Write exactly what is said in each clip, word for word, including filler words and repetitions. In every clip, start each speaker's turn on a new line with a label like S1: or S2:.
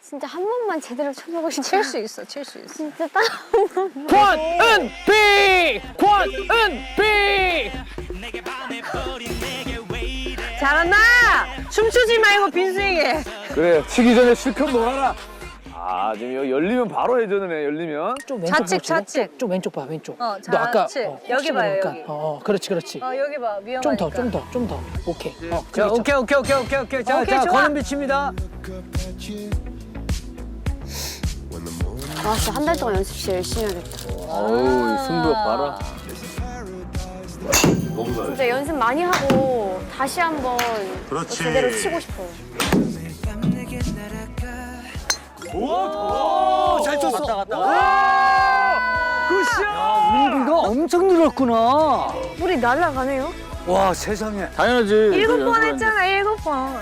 S1: 진짜 한 번만 제대로 쳐보고 싶다.
S2: 칠 수 있어, 칠 수 있어.
S1: 진짜 딱 한 번만.
S3: 권은비! 권은비!
S2: 잘한다! 춤추지 말고 빈스윙해.
S4: 그래, 치기 전에 실컷 놀아라. 아, 지금 여기 열리면 바로 해저드네, 열리면.
S3: 좀 왼쪽
S2: 좌측,
S3: 보시고.
S2: 좌측.
S3: 좀 왼쪽 봐, 왼쪽.
S2: 어,
S3: 너 아까
S2: 좌측.
S3: 어,
S2: 여기
S3: 혹시
S2: 봐요,
S3: 모르니까.
S2: 여기.
S3: 어, 어, 그렇지, 그렇지.
S2: 어, 여기 봐, 위험하니까.
S3: 좀 더, 좀 더, 좀 더. 오케이. 어,
S5: 자,
S3: 그렇죠.
S5: 오케이, 오케이, 오케이, 오케이, 오케이. 자,
S2: 오케이,
S5: 자,
S2: 좋아.
S5: 권은비 칩니다.
S1: 아, 진짜 한 달 동안 연습 진짜 열심히 하겠다.
S4: 어우, 승부욕 봐라.
S1: 진짜 연습 많이 하고 다시 한번 또 제대로 치고 싶어요.
S5: 오, 잘 쳤어. 갔다, 갔다. 굿샷! 은비가 엄청 늘었구나.
S1: 물이 날아가네요.
S5: 와, 세상에.
S4: 당연하지.
S2: 일곱 번 했잖아, 일곱 번.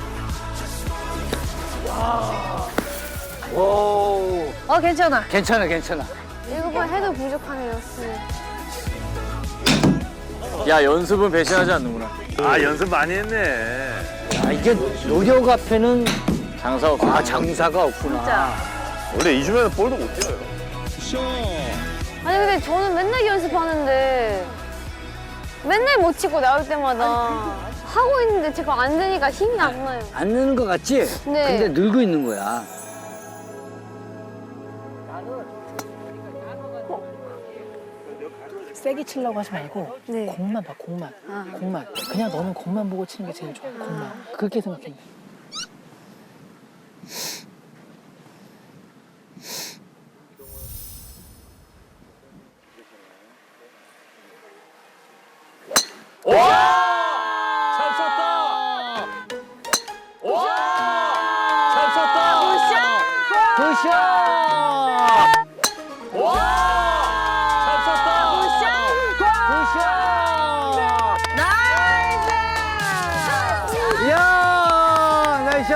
S5: 오,
S2: 어, 괜찮아.
S5: 괜찮아, 괜찮아.
S1: 일곱 번 해도 부족하네요.
S4: 야, 연습은 배신하지 않는구나. 아, 연습 많이 했네.
S5: 아, 이게 노력 앞에는
S4: 장사 없어.
S5: 아, 장사가 없구나.
S2: 진짜.
S4: 원래 이 주면은 볼도 못 뛰어요.
S1: 아니 근데 저는 맨날 연습하는데 맨날 못 치고 나올 때마다 하고 있는데 제가 안 되니까 힘이 안 나요.
S5: 안 느는 것 같지?
S1: 네.
S5: 근데 늘고 있는 거야.
S3: 세게 치려고 하지 말고
S1: 네.
S3: 공만 봐, 공만.
S1: 아.
S3: 공만. 그냥 너는 공만 보고 치는 게 제일 좋아, 공만. 그렇게 생각해.
S4: 잘 쳤다. 와! 잘 쳤다.
S5: 굿샷!
S4: 와! 잘 쳤다.
S5: 굿샷!
S2: 나이스!
S5: 이야, 나이스!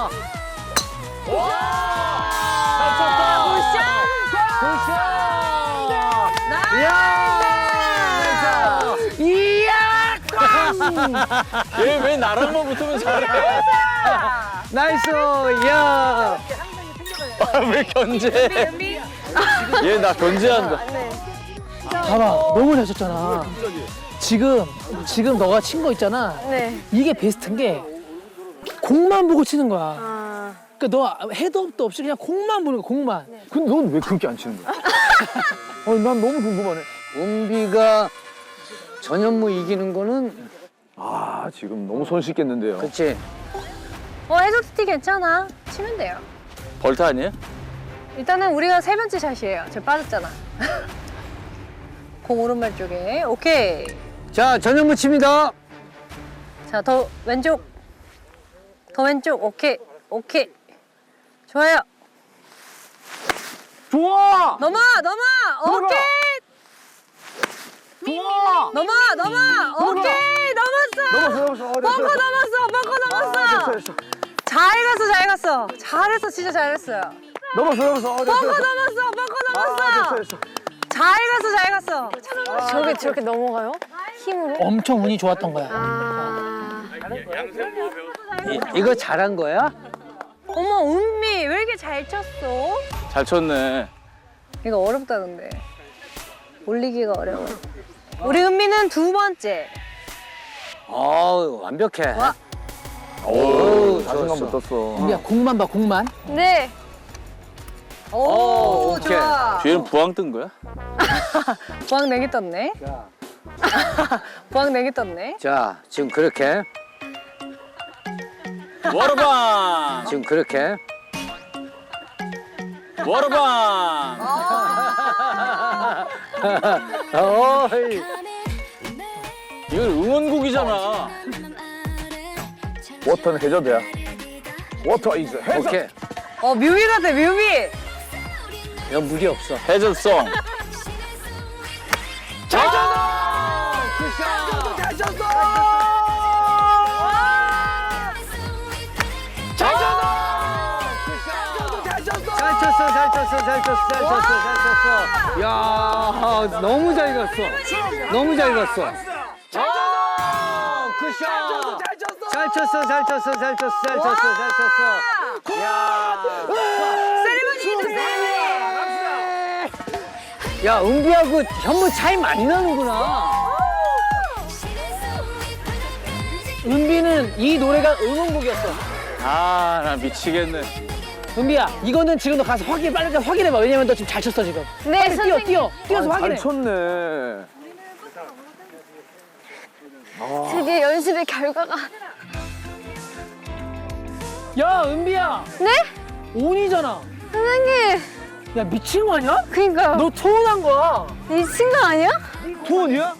S4: 와! 잘 쳤다.
S5: 굿샷! 이야! 이야!
S4: 얘 왜 나랑만 붙으면 잘해?
S5: 나이스! 이야!
S4: 아, 왜 견제? 얘 나 견제한다.
S3: 봐봐, 너무 잘 쳤잖아. 지금, 지금 너가 친 거 있잖아.
S1: 네.
S3: 이게 베스트인 게 공만 보고 치는 거야.
S1: 아.
S3: 그러니까 너 헤드업도 없이 그냥 공만 보는 거야, 공만.
S4: 근데 넌 왜 그렇게 안 치는 거야? 아니, 난 너무 궁금하네.
S5: 은비가 전현무 이기는 거는
S4: 아, 지금 너무 손 씻겠는데요.
S5: 그치?
S2: 어, 해저티 괜찮아. 치면 돼요.
S4: 벌타 아니에요?
S2: 일단은 우리가 세 번째 샷이에요. 저 빠졌잖아. 공 오른발 쪽에. 오케이.
S5: 자, 전현무 칩니다.
S2: 자, 더 왼쪽. 더 왼쪽. 오케이. 오케이. 좋아요.
S4: 좋아!
S2: 넘어! 넘어! 오케이!
S4: 좋아!
S2: 넘어! 넘어! 오케이! 넘었어!
S4: 넘었어, 넘었어. 어, 됐어,
S2: 벙커
S4: 됐어.
S2: 넘었어! 벙커 넘었어!
S4: 아, 됐어, 됐어.
S2: 잘 갔어, 잘 갔어. 잘했어, 진짜 잘했어요.
S4: 넘었어, 넘었어. 어, 됐어,
S2: 벙커
S4: 됐어.
S2: 넘었어! 벙커
S4: 아,
S2: 넘었어!
S4: 됐어, 됐어.
S2: 잘 갔어, 잘 갔어.
S1: 저게 저렇게 넘어가요? 힘으로?
S3: 엄청 운이 좋았던 거야.
S1: 아.
S5: 이, 이거 잘한 거야?
S2: 어머, 은미 왜 이렇게 잘 쳤어?
S4: 잘 쳤네.
S2: 이거 어렵다, 근데. 올리기가 어려워. 우리 은미는 두 번째.
S5: 어우, 완벽해.
S2: 와.
S4: 오,
S5: 좋았어.
S4: 자신감 붙었어.
S3: 우리야, 공만 봐, 공만.
S1: 네.
S2: 오,
S5: 오, 오케이.
S2: 좋아.
S4: 뒤에는 부항 뜬 거야?
S2: 부항 내기 떴네.
S5: 자,
S2: 부항 내기 떴네.
S5: 자, 지금 그렇게.
S4: 워터방!
S5: 지금 그렇게.
S4: 워터방!
S5: 어이.
S4: 이건 응원곡이잖아. 워터는 해저드야. 워터 이즈 해저.
S5: 오케이.
S2: 어, 뮤비 같아, 뮤비.
S5: 이거 무리 없어.
S4: 해저송.
S5: 잘 쳤어! 굿샷! 잘 쳤어! 잘 쳤어! 잘 쳤어! 잘 쳤어, 잘 쳤어, 잘 쳤어, 잘 쳤어, 잘 쳤어. 야, 너무 잘 갔어. 너무 잘 갔어. 잘 쳤어! 굿샷! 잘 쳤어, 잘 쳤어, 잘 쳤어, 잘 쳤어, 잘 쳤어. 야. 야, 은비하고 현무 차이 많이 나는구나.
S3: 은비는 이 노래가 응원곡이었어.
S4: 아, 나 미치겠네.
S3: 은비야, 이거는 지금 너 가서 확인, 빨리 가서 확인해봐. 왜냐면 너 지금 잘 쳤어, 지금.
S1: 네,
S3: 빨리 뛰어,
S1: 선생님.
S3: 뛰어. 뛰어서
S4: 아,
S3: 확인해.
S4: 잘 쳤네.
S1: 드디어 연습의 결과가.
S3: 야, 은비야.
S1: 네?
S3: 온이잖아.
S1: 선생님.
S3: 야, 미친 거 아니야?
S1: 그니까요.
S3: 너 투혼한 거야.
S1: 미친 거 아니야?
S5: 투혼이야?